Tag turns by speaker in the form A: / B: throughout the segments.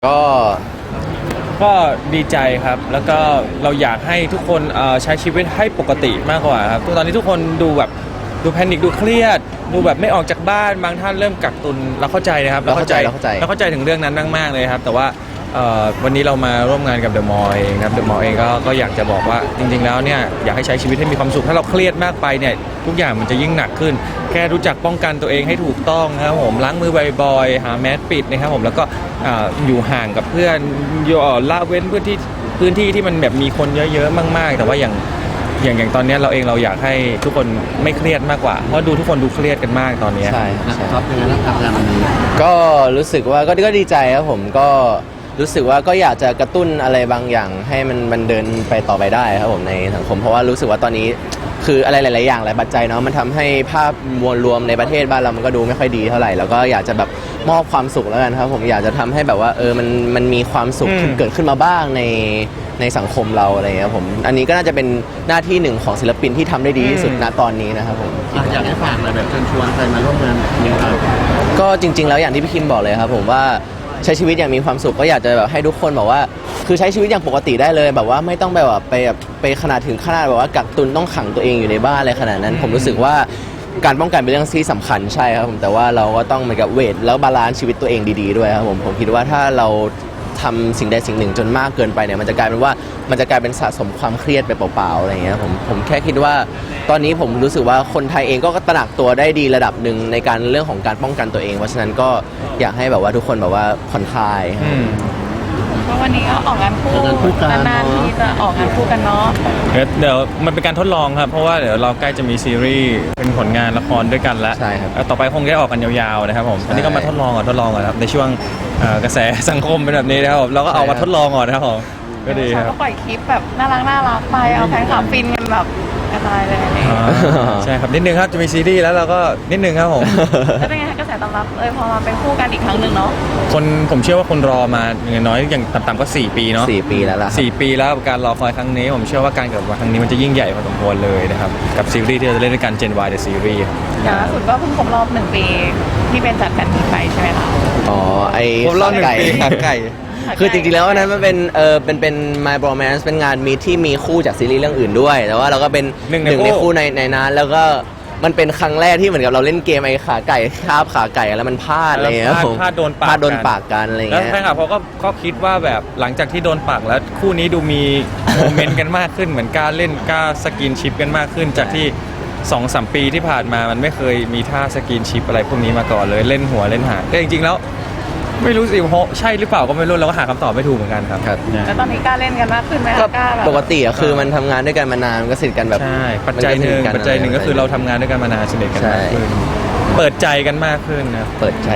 A: ก็ดีใจครับแล้วก็เราอยากให้ทุกคนใช้ชีวิตให้ปกติมากกว่าครับตอนนี้ทุกคนดูแบบดูแพนิคดูเครียดดูแบบไม่ออกจากบ้านบางท่านเริ่มกักตุนเราเข้าใจนะครับเราเข้าใจถึงเรื่องนั้นมากๆเลยครับแต่ว่าวันนี้เรามาร่วมงานกับเดอะมอลล์เองครับเดอะมอลล์เองก็อยากจะบอกว่าจริงๆแล้วเนี่ยอยากให้ใช้ชีวิตให้มีความสุขถ้าเราเครียดมากไปเนี่ยทุกอย่างมันจะยิ่งหนักขึ้นแค่รู้จักป้องกันตัวเองให้ถูกต้องนะครับผมล้างมือบ่อยๆหาแมสปิดนะครับผมแล้วก็อยู่ห่างกับเพื่อนละเว้นพื้นที่ที่มันแบบมีคนเยอะๆมากๆแต่ว่าอย่างตอนนี้เราอยากให้ทุกคนไม่เครียดมากกว่าเพราะดูทุกคนดูเครียดกันมากตอนนี้
B: ใช่
C: ครับเป็นไงบ้างครับงานวันนี้
B: ก็รู้สึกว่าก็ดีใจครับผมก็รู้สึกว่าก็อยากจะกระตุ้นอะไรบางอย่างให้มันเดินไปต่อไปได้ครับผมในสังคมเพราะว่ารู้สึกว่าตอนนี้คืออะไรหลายๆอย่างหลายปัจจัยเนาะมันทำให้ภาพมวลรวมในประเทศบ้านเรามันก็ดูไม่ค่อยดีเท่าไหร่แล้วก็อยากจะแบบมอบความสุขแล้วกันครับผมอยากจะทำให้แบบว่ามันมีความสุขเกิดขึ้นมาบ้างในสังคมเราอะไรอย่างเงี้ยผมอันนี้ก็น่าจะเป็นหน้าที่หนึ่งของศิลปินที่ทำได้ดีที่สุดณตอนนี้นะครับผม
C: อยากให้ฝากอะไรแบบเชิญชวนใครมาร่วมงานนี้ครับ
B: ก็จริงๆแล้วอย่างที่พี่คิมบอกเลยครับผมว่าใช้ชีวิตอย่างมีความสุขก็อยากจะแบบให้ทุกคนแบบว่าคือใช้ชีวิตอย่างปกติได้เลยแบบว่าไม่ต้องแบบไปขนาดแบบว่ากักตุนต้องขังตัวเองอยู่ในบ้านอะไรขนาดนั้นผมรู้สึกว่าการป้องกันเป็นเรื่องที่สำคัญใช่ครับผมแต่ว่าเราก็ต้องเหมือนกับเวทแล้วบาลานซ์ชีวิตตัวเองดีๆด้วยครับผมคิดว่าถ้าเราทำสิ่งใดสิ่งหนึ่งจนมากเกินไปเนี่ยมันจะกลายเป็นสะสมความเครียดไปเปล่าๆอะไรอย่างเงี้ยผมแค่คิดว่าตอนนี้ผมรู้สึกว่าคนไทยเองก็ตระหนักตัวได้ดีระดับหนึ่งในการเรื่องของการป้องกันตัวเองเพราะฉะนั้นก็อยากให้แบบว่าทุกคนแบบว่าผ่อนคลาย
D: ก็วันนี้ก็ออกงานคู่นานๆที่จะออกงานคู่กันเนาะ
A: เดี๋ยวมันเป็นการทดลองครับเพราะว่าเดี๋ยวเราใกล้จะมีซีรีส์เป็นผลงานละครด้วยกันแล้ว
B: ใช่ครับ
A: ต่อไปคงได้ออกกันยาวๆนะครับผมอันนี้ก็มาทดลองก่อนครับในช่วงกระแสสังคมเป็นแบบนี้นะครับเราก็เอามาทดลองก่อนนะครับผมก็ดีครับ
D: ก็ปล่อยคลิปแบบน่ารักไปเอาแฟนคลับฟินกันแบบกระจายเลย
A: ใช่ครับนิดนึงครับจะมีซีรีส์แล้วเราก็นิดนึงครับผม
D: แล้วเป็นไงกระแสตอบรับพอมาเป็นคู่กันอีกครั้งหนึ่งเนาะ
A: ผมเชื่อว่าคนรอมาอย่างน้อยอย่างต่ำๆก็4 ปีเนาะ
B: 4 ปีแล้วล่ะ
A: 4 ปีแล้วการรอคอยครั้งนี้ผมเชื่อว่าการกลับมาครั้งนี้มันจะยิ่งใหญ่พอสมควรเลยนะครับกับซีรีส์ที่เราจะเล่นด้วยกัน Gen Y The Series
D: อย่างล่าสุดก็เพิ่งครบรอบ1 ปีที่เป็นจัดแฟนมีตไปใช่ไหมคะ
B: อ๋อไอ้
A: ครบรอบ1 ปีไก่
B: คือจริงๆแล้วอันนั้นมันเป็น My Bromance เป็นงานมีที่มีคู่จากซีรีส์เรื่องอื่นด้วยแต่ว่าเราก็เป็นหนึ่งในคู่ในนั้นแล้วก็มันเป็นครั้งแรกที่เหมือนกับเราเล่นเกมไอ้ขาไก่คาบขาไก่แล้วมันพลาดอะไรเงี้ย
A: พลาดโดน
B: ปากกันอะไรเงี้ย
A: แล้วแฟนคลับเขาก็คิดว่าแบบหลังจากที่โดนปากแล้วคู่นี้ดูมีโมเมนต์กันมากขึ้นเหมือนกล้าเล่นกล้าสกินชิปกันมากขึ้นจากที่ 2-3 ปีที่ผ่านมามันไม่เคยมีท่าสกินชิปอะไรพวกนี้มาก่อนเลยเล่นหัวเล่นหางแต่จริงๆแล้วไม่รู้สิใช่หรือเปล่าก็ไม่รู้เราก็หาคำตอบไม่ถูกเหมือนกันครับ
D: แล้วตอนนี้กล้าเล่นกันมากขึ้นไหมคะกล้าแบบ
B: ปกติอะคือมันทำงานด้วยกันมานานก็สนิทกันแบบ
A: ใช่ปัจจัยหนึ่งก็คือเราทำงานด้วยกันมานานสนิทกันมากขึ้นเปิดใจกันมากขึ้นนะ
B: เปิดใจ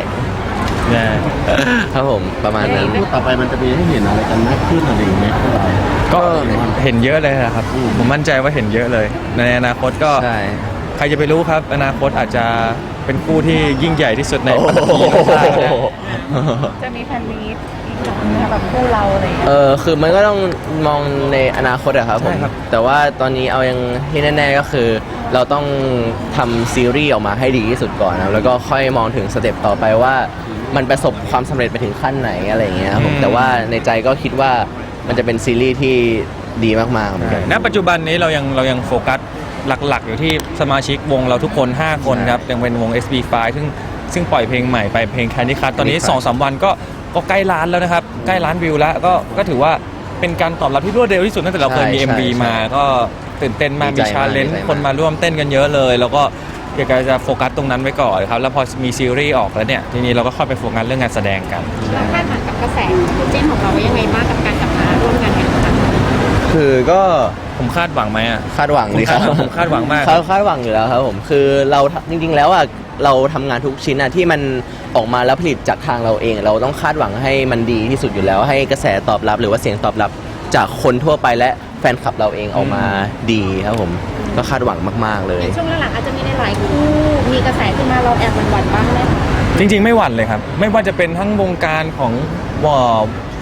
B: ครับผมประมาณนั้น
C: พูดต่อไปมันจะมีให้เห็นอะไรกันมากขึ้นอะไรอย่างเงี้ย
A: ก็เห็นเยอะเลยครับผมมั่นใจว่าเห็นเยอะเลยในอนาคตก็ใครจะไปรู้ครับอนาคตอาจจะเป็นคู่ที่ยิ่งใหญ่ที่สุดในปัตตภี
D: จะมีแฟนมีตอีกครั้งแบบคู่เราอะไรอย่างเงี้ย
B: คือมันก็ต้องมองในอนาคตอะครับผมแต่ว่าตอนนี้เอายังที่แน่ๆก็คือเราต้องทำซีรีส์ออกมาให้ดีที่สุดก่อนนะแล้วก็ค่อยมองถึงสเต็ปต่อไปว่ามันประสบความสำเร็จไปถึงขั้นไหนอะไรอย่างเงี้ยครับผมแต่ว่าในใจก็คิดว่ามันจะเป็นซีรีส์ที่ดีมากๆเหมือนกัน
A: ณปัจจุบันนี้เรายังโฟกัสหลักๆอยู่ที่สมาชิกวงเราทุกคน5 คนครับยังเป็นวง SB5 ซึ่งปล่อยเพลงใหม่ไปเพลง Candy Crush ตอนนี้ 2-3 วันก็ใกล้ล้านแล้วนะครับใกล้ล้านวิวแล้วก็ถือว่าเป็นการตอบรับที่รวดเร็วที่สุดตั้งแต่เราเคยมี MV มาก็ตื่นเต้นมากมีชาเลนจ์คนมาร่วมเต้นกันเยอะเลยแล้วก็อยากจะโฟกัสตรงนั้นไว้ก่อนครับแล้วพอมีซีรีส์ออกแล้วเนี่ยทีนี้เราก็ค่อยไปโฟกัสเรื่องงานแสดงกัน
D: เราคาดหวังกับกระแสคู่จิ้นของเรายังไงบ้างกับการกลับมาร่วมงานกัน
B: คือก็
A: ผมคาดหวังไหมอ่ะ
B: คาดหวังเลยครับ
A: ผมคาดหวังมาก
B: คาดหวังอยู่แล้วครับผมคือเราจริงๆแล้วอ่ะเราทำงานทุกชิ้นอ่ะที่มันออกมาแล้วผลิตจากทางเราเองเราต้องคาดหวังให้มันดีที่สุดอยู่แล้วให้กระแสตอบรับหรือว่าเสียงตอบรับจากคนทั่วไปและแฟนคลับเราเองออกมาดีครับผมก็คาดหวังมากๆเลย
D: ช่วงหลังอาจจะมีในหลายคู่มีกระแสขึ้นมาเราแอบหวั่นบ้างไหม
A: จริงๆไม่หวั่นเลยครับไม่ว่าจะเป็นทั้งวงการของ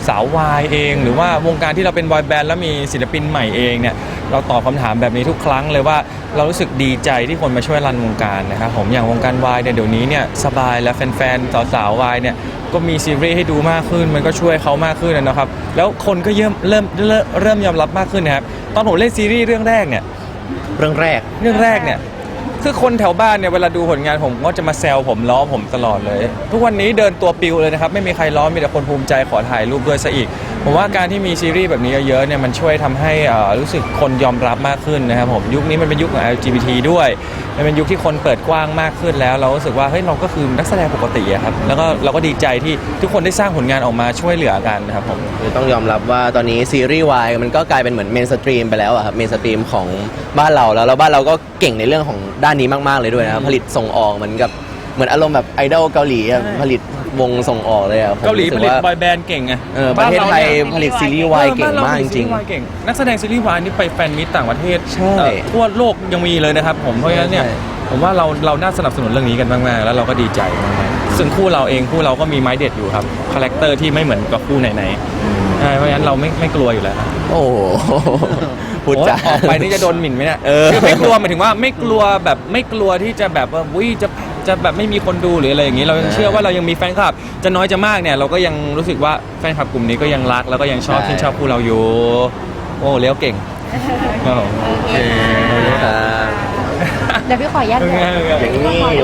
A: สาววายเอง หรือว่าวงการที่เราเป็นบอยแบนด์แล้วมีศิลปินใหม่เองเนี่ยเราตอบคำถามแบบนี้ทุกครั้งเลยว่าเรารู้สึกดีใจที่คนมาช่วยรันวงการนะครับผมอย่างวงการวายเนี่ยเดี๋ยวนี้เนี่ยสบายและแฟนๆสาวๆวายเนี่ยก็มีซีรีส์ให้ดูมากขึ้นมันก็ช่วยเขามากขึ้นนะครับแล้วคนก็เริ่มยอมรับมากขึ้นนะครับตอนผมเล่นซีรีส์เรื่องแรกเนี่ย
B: เรื่องแรก
A: เนี่ยคือคนแถวบ้านเนี่ยเวลาดูผลงานผมก็จะมาแซวผมล้อผมตลอดเลย ทุกวันนี้เดินตัวปิวเลยนะครับไม่มีใครล้อมีแต่คนภูมิใจขอถ่ายรูปด้วยซะอีกผมว่าการที่มีซีรีส์แบบนี้เยอะๆเนี่ยมันช่วยทำให้รู้สึกคนยอมรับมากขึ้นนะครับผมยุคนี้มันเป็นยุคของ LGBT ด้วยมันเป็นยุคที่คนเปิดกว้างมากขึ้นแล้วเรารู้สึกว่าเฮ้ยเราก็คือนักแสดงปกติอะครับแล้วก็เราก็ดีใจที่ทุกคนได้สร้างผลงานออกมาช่วยเหลือกันนะครับผม
B: คือต้องยอมรับว่าตอนนี้ซีรีส์วายมันก็กลายเป็นเหมือนเมนสตรีมไปแล้วอะครับเมนสตรีมของบ้านเราแล้วบ้านเราก็เก่งในเรื่องของด้านนี้มากๆเลยด้วยนะครับผลิตส่งออกเหมือนอารมณ์แบบไอดอลเกาหลีอะผลิตวงส่งออกเลยอะผม
A: เกาหลี
B: รู้
A: ผ
B: สึ
A: ลิต
B: ว่า
A: บอยแบนด์เก่งไง
B: ประเทศไทย
A: บ้านเราเนี่ย
B: ผลิตซีรีส์วายเก่งมากจริง
A: บ้นเผลิตซีวายเก่งนักแสดงซีรีส์วายนี่ไปแฟนมิตต่างประเทศ
B: ใช่
A: ทั่วโลกยังมีเลยนะครับผมเพราะฉะนั้นเนี่ย
B: ใช่
A: ผมว่าเราน่าสนับสนุนเรื่องนี้กันมากๆแล้วเราก็ดีใจมากๆซึ่งคู่เราก็มีไม้เด็ดอยู่ครับคาแรคเตอร์ที่ไม่เหมือนกับคู่ไหนๆใช่เพราะฉะนั้นเราไม่กลัวอยู่แล้ว
B: โอ้โหพูดจา
A: โอ้ยออกไปนี่จะโดนหมิ่นไหมเนี่ย
B: เออ
A: คือไม่กลัวหมายถึงว่าไม่กลัวที่จะแบบว่าจะแบบไม่มีคนดูหรืออะไรอย่างนี้เรายังเชื่อว่าเรายังมีแฟนคลับจะน้อยจะมากเนี่ยเราก็ยังรู้สึกว่าแฟนคลับกลุ่มนี้ก็ยังรักแล้วก็ยังชอบที่นชอบคู่เราอยู่โอ้เลี้ยวเก่งครับผม
C: โอเค
B: ครับ
D: เดี๋ยวพี่ขออนุญาต
A: เป็นไง
B: อย่างนี้